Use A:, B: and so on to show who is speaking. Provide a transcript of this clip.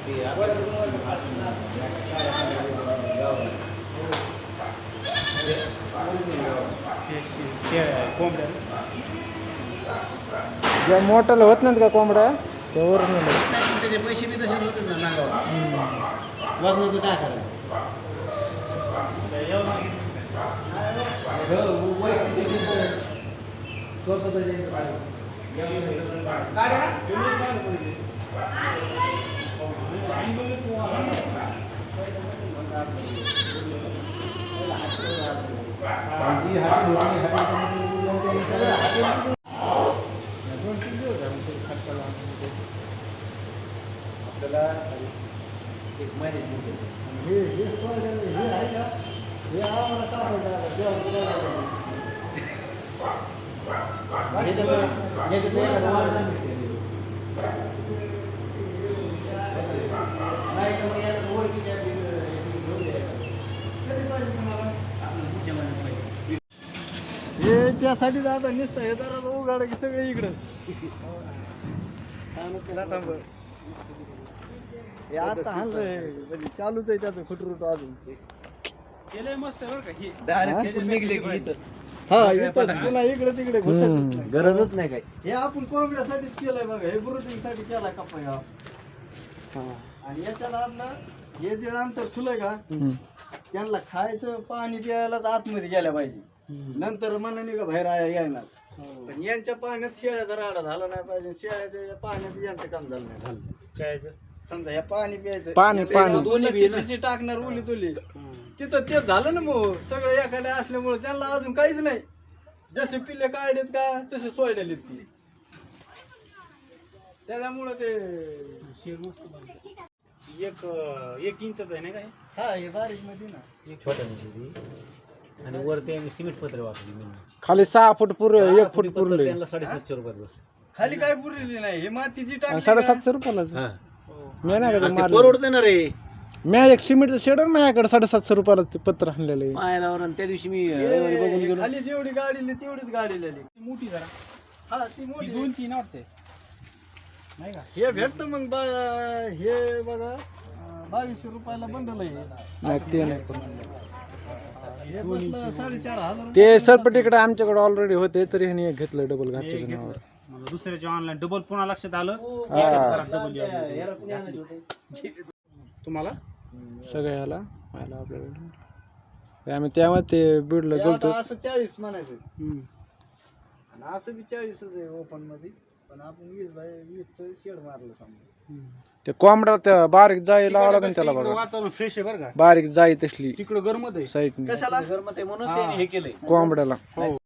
A: ज्या मोठाला होत नाहीत का कोंबड्या त्यावर
B: त्याचे पैसे बी तसे होते ना नागावर वजनाचं काय करायचं आपल्याला एक महिने
C: हे त्यासाठी आता नुसतं हे जरा उघाड की सगळे इकडं हे आता हाणलंय म्हणजे चालूच आहे त्याचं खुटरूट अजून
B: केलंय मस्त बरं का ही
C: निघले की हा इथं पुन्हा इकडे तिकडे घुसायचं
B: गरजच नाही काय
C: हे आपण कोंबड्यासाठीच केलंय बघा हे ब्रुटिंग साठी केलाय कप्पा हा आणि याच्यात आपलं हे जे अंतर खुलंय का त्यांना खायचं पाणी प्यायलाच आतमध्ये गेल्या पाहिजे नंतर मनाने का बाहेर येणार पण यांच्या पाण्यात शेळ्याचा राडा झाला नाही पाहिजे शेळ्याच्या पाण्यात यांचं काम झालं नाही
B: काय
C: समजा ह्या पाणी प्यायचं
A: पाणी
C: दोन्ही टाकणार उली तुली तिथं ते झालं ना मग सगळं एखाद्या असल्यामुळे त्यांना अजून काहीच नाही जसे पिल्ले काढलेत का तसे सोयलेत ती त्याच्यामुळं ते
B: एक इंचच आहे ना काय
C: हा हे बारीक मध्ये ना
B: एक छोट्या आणि वरती आम्ही सिमेंट पत्र वापरली मी
A: खाली 6 फूट पुरे 1 फूट पुरले
B: त्यांना 750 रुपयात बस
C: खाली काय पुरलेली नाही हे मातीची टाकली
A: 750 रुपयाला मी नाही का मारलं
B: परवडतं ना रे
A: मी एक सिमेंटचं शेड माझ्याकडे 750 रुपयाला ते पत्र आणलेलं आहे
B: पायालावर आणि त्या दिवशी मी
C: बघून गेलो खाली जेवढी गाडी तेवढीच गाडी लिहिली
B: मोठी जरा
C: हा ती मोठी
B: 2-3 वाटते नाही का
C: हे भेटतं मग हे बघा 2200 रुपयाला बंडल आहे
A: नाही ते नाही
C: हे बसलं 4500
A: ते सरपटीकडे आमच्याकडे ऑलरेडी होते तरी ह्याने एक घेतलं डबल घरच्या नावावर
B: दुसऱ्याच्या ऑनलाईन डबल पुन्हा लक्षात आलं तुम्हाला
A: सगळ्याला व्हायला आपल्याकडे आम्ही त्यामुळे ते बीडला गेलतो
C: असं 40 म्हणायचं आणि असं बी 40च आहे ओपन मध्ये पण आपण 20 शेड मारलं समजा
A: ते कोंबडा त्या बारीक जाई लावा लागेल त्याला बघा
B: वातावरण फ्रेश आहे बरं का
A: बारीक जाई तसली
B: तिकडं गरमत आहे
A: साईडने
C: कशाला
B: गरमत आहे म्हणून त्याने हे केलंय
A: कोंबड्याला